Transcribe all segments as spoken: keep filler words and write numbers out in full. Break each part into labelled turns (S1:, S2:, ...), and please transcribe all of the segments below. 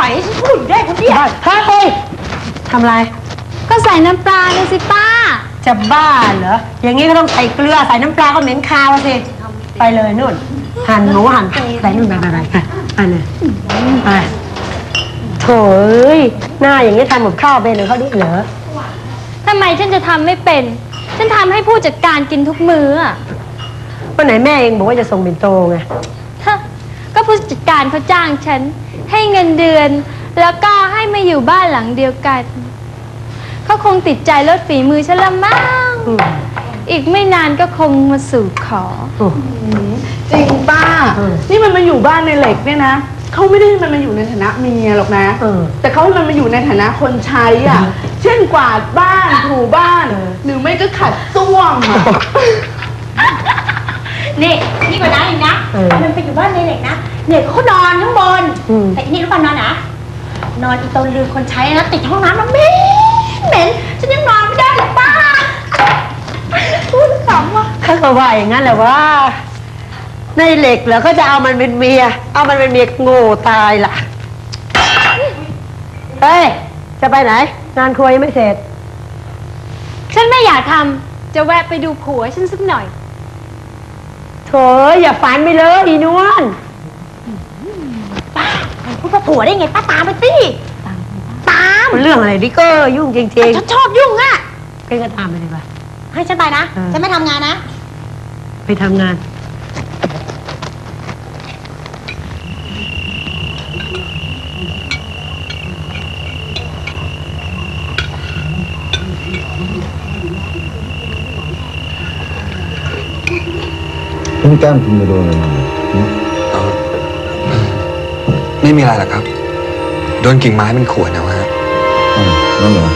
S1: อยให้ฉันพูดอยู่ได้คนเดียว
S2: เฮ้ยทำไร
S3: ก็ใส่น้ำปลาเลยสิป้า
S2: จะบ้าเหรออย่างงี้ก็ต้องใส่เกลือใส่น้ำปลาก็เหม็นคาวสิไปเลยนู่นหั่นหมูหั่นใส่นู่นไปไปไปไปเลยไปโถ่เอ้ยหน้าอย่างนี้ทำกับข้าวเป็นหรือเขาดิเหรอ
S3: ทำไมฉันจะทำไม่เป็นฉันทำให้ผู้จัดการกินทุกมื้ออะ
S2: วันไหนแม่เองบอกว่าจะส่งบินโตไง
S3: ก็ผู้จัดการเขาจ้างฉันให้เงินเดือนแล้วก็ให้มาอยู่บ้านหลังเดียวกันเขาคงติดใจรสฝีมือฉันละมั้งอีกไม่นานก็คงมาสู่ขอ
S1: จริงป้านี่มันมาอยู่บ้านในเหล็กเนี่ยนะเขาไม่ได้มันมาอยู่ในฐานะเมียหรอกนะแต่เขาให้มันมาอยู่ในฐานะคนใช้อ่ะเช่นกวาดบ้านถูบ้านหรือไม่ก็ขัดส้วมอ่ะ
S4: นี่นี่กว่านั้นอีกนะมันไปอยู่บ้านในเหล็กนะเนี่ยเขานอนข้างบนแต่นี่รู้ป่ะนอนนะนอนอีตนลือคนใช้นะติดห้องน้ำมันเหม็นเหม็นฉันยังนอนไม่ได้เลยป้าพูดขำว่ะ
S2: เขาก็ว่าอย่างนั้นแหละว่าในเหล็กเหรอเขาจะเอามันเป็นเมียเอามันเป็นเมียโง่ตายล่ะเฮ้ยจะไปไหนงานครัวยังไม่เสร็จ
S3: ฉันไม่อยากทำจะแวะไปดูผัวฉันสักหน่อย
S2: โถอย่าฝันไปเลยอีนวล
S4: ป้าพูดว่าผัวได้ไงป้าตามไปสิตาม
S2: เรื่องอะไรดิก็ยุ่งจริง
S4: ๆฉันชอบยุ่งอ่ะ
S2: ก็ก็ตามไปดีกว่า
S4: ให้ฉันไปนะฉันไม่ทำงานนะ
S2: ไปทำงาน
S5: คุณแก้มคุณไปโดนอะไรมา
S6: ไม่มีอะไรหรอกครับโดนกิ่งไม้มันข่วนเอาฮะ
S5: อ๋อนั่นเหรอ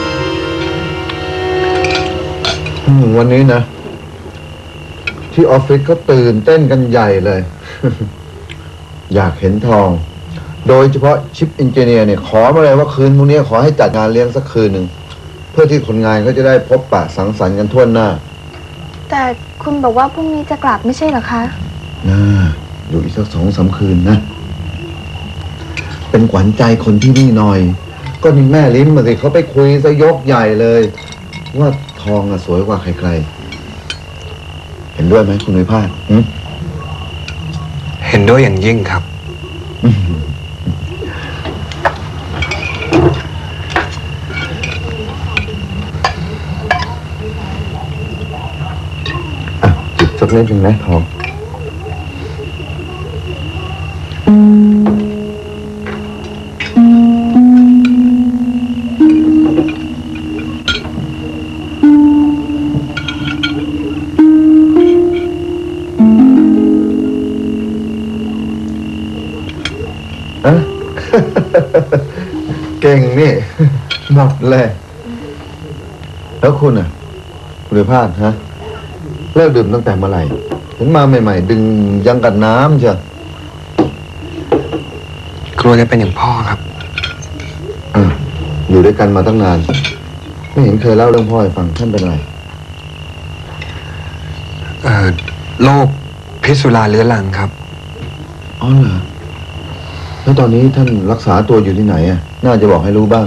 S5: วันนี้นะที่ออฟฟิศเขาตื่นเต้นกันใหญ่เลย อยากเห็นทองโดยเฉพาะชิปอินเจเนียร์เนี่ยขอมาเลยว่าคืนพรุ่งนี้ขอให้จัดงานเลี้ยงสักคืนหนึ่งเพื่อที่คนงานเขาจะได้พบปะสังสรรค์กันทั่วหน้า
S3: แต่คุณบอกว่าพรุ่งนี้จะกลับไม่ใช่เหรอคะ
S5: น่าอยู่อีกสักสองสามคืนนะเป็นขวัญใจคนที่นี่หน่อยก็นี่แม่ลิ้มมาสิเขาไปคุยซะยกใหญ่เลยว่าทองอะสวยกว่าใครๆเห็นด้วยไหมคุณวิภาค
S6: เห็นด้วยอย่างยิ่งครับ
S5: สักเล่นหนึ่งนะทองอะเก่งนี่หมดเลยแล้วคุณอ่ะคุณภาพฮะเลิกดื่มตั้งแต่เมื่อไหร่เห็นมาใหม่ๆดึงยังกับน้ำเชียว
S6: กลัวจะเป็นอย่างพ่อครับ
S5: อ่ะอยู่ด้วยกันมาตั้งนานไม่เห็นเคยเล่าเรื่องพ่อให้ฟังท่านเป็นอะไร
S6: เอ่อโรคพิษสุราเรื้อรังครับ
S5: อ๋อเหรอแล้วตอนนี้ท่านรักษาตัวอยู่ที่ไหนอ่ะน่าจะบอกให้รู้บ้าง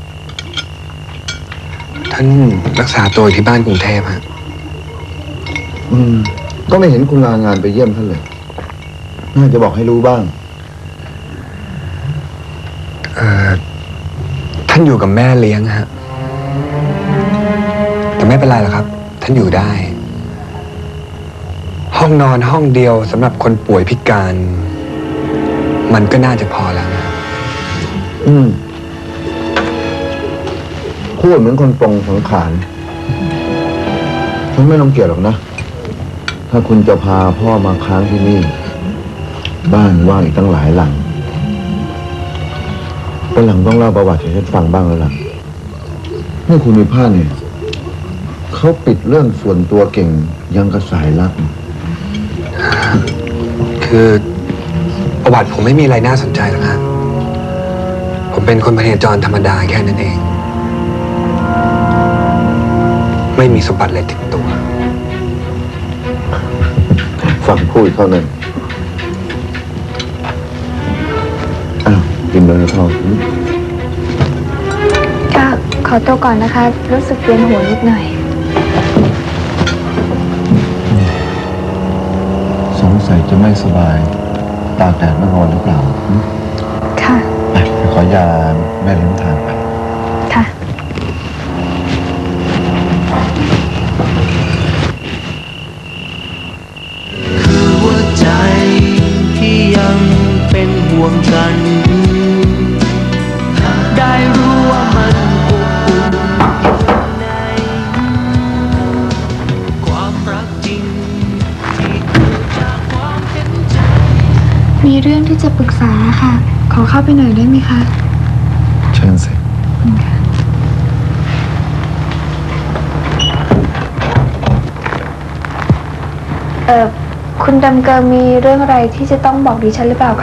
S6: ท่านรักษาตัวอยู่ที่บ้านกรุงเทพฮะ
S5: อืมก็ไม่เห็นคุณลางานไปเยี่ยมท่านเลยน่าจะบอกให้รู้บ้าง
S6: เอ่อท่านอยู่กับแม่เลี้ยงฮะแต่ไม่เป็นไรหรอกครับท่านอยู่ได้ห้องนอนห้องเดียวสำหรับคนป่วยพิการมันก็น่าจะพอแล้วนะ
S5: อืมพูดเหมือนคนปรงสังขารฉันไม่ต้องเกลียดหรอกนะถ้าคุณจะพาพ่อมาค้างที่นี่บ้านว่างอีกตั้งหลายหลังวันหลังต้องเล่าประวัติให้ฉันฟังบ้างแล้วล่ะนี่คุณมีผ้าเนี่ยเขาปิดเรื่องส่วนตัวเก่งยังกระสายลับ
S6: คือประวัติผมไม่มีอะไรน่าสนใจหรอกฮะผมเป็นคนพเนจรธรรมดาแค่นั้นเองไม่มีสมบัติอะไรติดตัว
S5: ฟังพูดเท่านั้นอ้าวกินเลยนะทอง
S3: ก็ขอตัวก่อนนะคะ รู้สึกเวียนหัวนิดหน่อย
S5: สงสัยจะไม่สบาย ตากแดดไม่ร้อนหรือเปล่าหืม
S3: ค่ะ
S5: ไปขอยาแม่เลี้ยงทานไป
S3: ค่ะ
S7: คือหัวใจที่ยังเป็นห่วงฉัน ได้รู้ว่ามันอบอุ่นอยู่ข้างในความรักจริงที่เกิดจากความเห็นใจ
S3: มีเรื่องที่จะปรึกษาค่ะ ขอเข้าไปหน่อยได้ไหมคะ
S5: เชิญสิ
S3: เออคุณดำเกิงมีเรื่องอะไรที่จะต้องบอกดิฉันหรือเปล่าคะ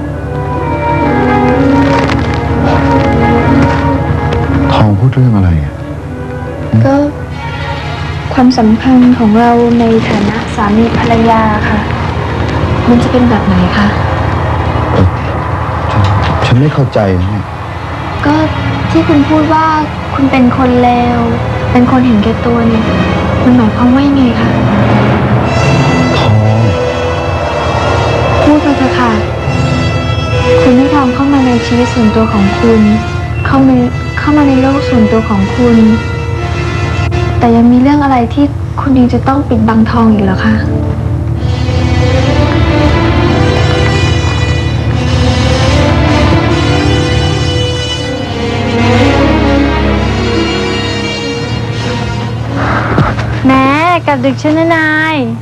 S5: ทองพูดเรื่องอะไรอ่ะ
S3: ก็ความสัมพันธ์ของเราในฐานะสามีภรรยาค่ะ มันจะเป็นแบบไหนคะ
S5: ฉันฉันไม่เข้าใจนะเนี่ย
S3: ก็ที่คุณพูดว่าคุณเป็นคนเลว เป็นคนเห็นแก่ตัวเนี่ย มันหมายความว่ายังไงคะ
S5: ทอง
S3: พูดมาเถอะค่ะ คุณให้ทองเข้ามาในชีวิตส่วนตัวของคุณ เข้ามาเข้ามาในโลกส่วนตัวของคุณ แต่ยังมีเรื่องอะไรที่คุณยังจะต้องปิดบังทองอีกเหรอคะ แม่กับดึกชนนาย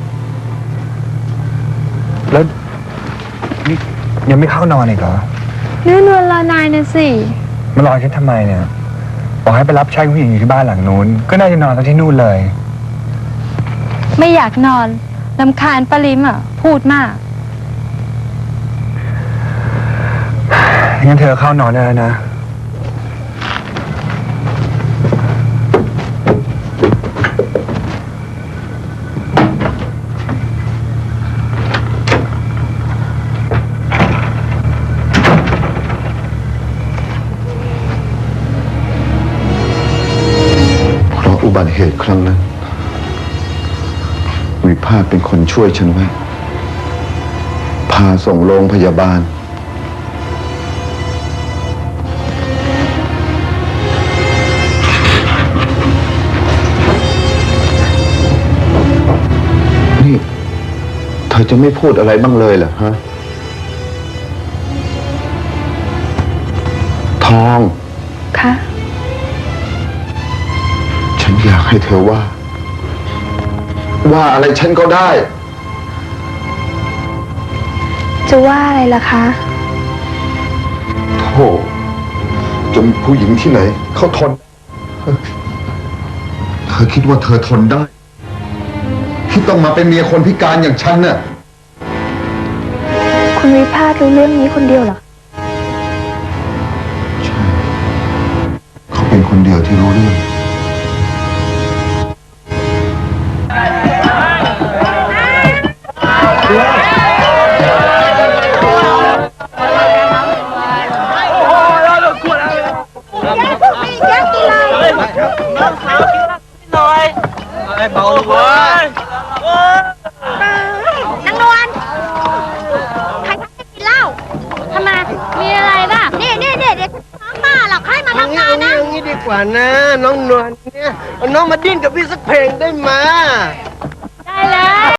S6: แล้วนี่ยังไม่เข้านอนอีกเหรอ
S3: เนื่อนวลรอนายนะสิ
S6: มารอฉันทำไมเนี่ยบอกให้ไปรับใช้ผู้หญิงอยู่ที่บ้านหลังนู้น ก็น่าจะนอนกันที่นู่นเลย
S3: ไม่อยากนอนลำคาญปาลิมอ่ะ พูดมาก
S6: งั้นเธอเข้านอนได้แล้วนะ
S5: เพราะอุบัติเหตุครั้งนั้น วิภาคเป็นคนช่วยฉันไว้ พาส่งโรงพยาบาล นี่ เธอจะไม่พูดอะไรบ้างเลยเหรอฮะ ทอง
S3: คะ
S5: ฉันอยากให้เธอว่า ว่าอะไรฉันก็ได้
S3: จะว่าอะไรล่ะคะ
S5: โธ่จนผู้หญิงที่ไหน เขาทน เธอคิดว่าเธอทนได้ ที่ต้องมาเป็นเมียคนพิการอย่างฉันน่ะ
S3: คุณวิภาครู้เรื่องนี้คนเดียวเหรอ
S5: ใช่ เขาเป็นคนเดียวที่รู้เรื่อง
S7: เบาเลยเว้ย
S4: นางนวลใครทำให้กินเหล้าทำไม
S3: มีอะไรล่ะ
S4: นี่นี่นี่เดี๋ยวฉันฟ้องป้าหรอกให้มาทำงานนะ
S7: เอางี้ดีกว่านะ น้องนวลเนี่ยเอาน้องมาดิ้นกับพี่สักเพลงได้ไหม
S3: ได้เลย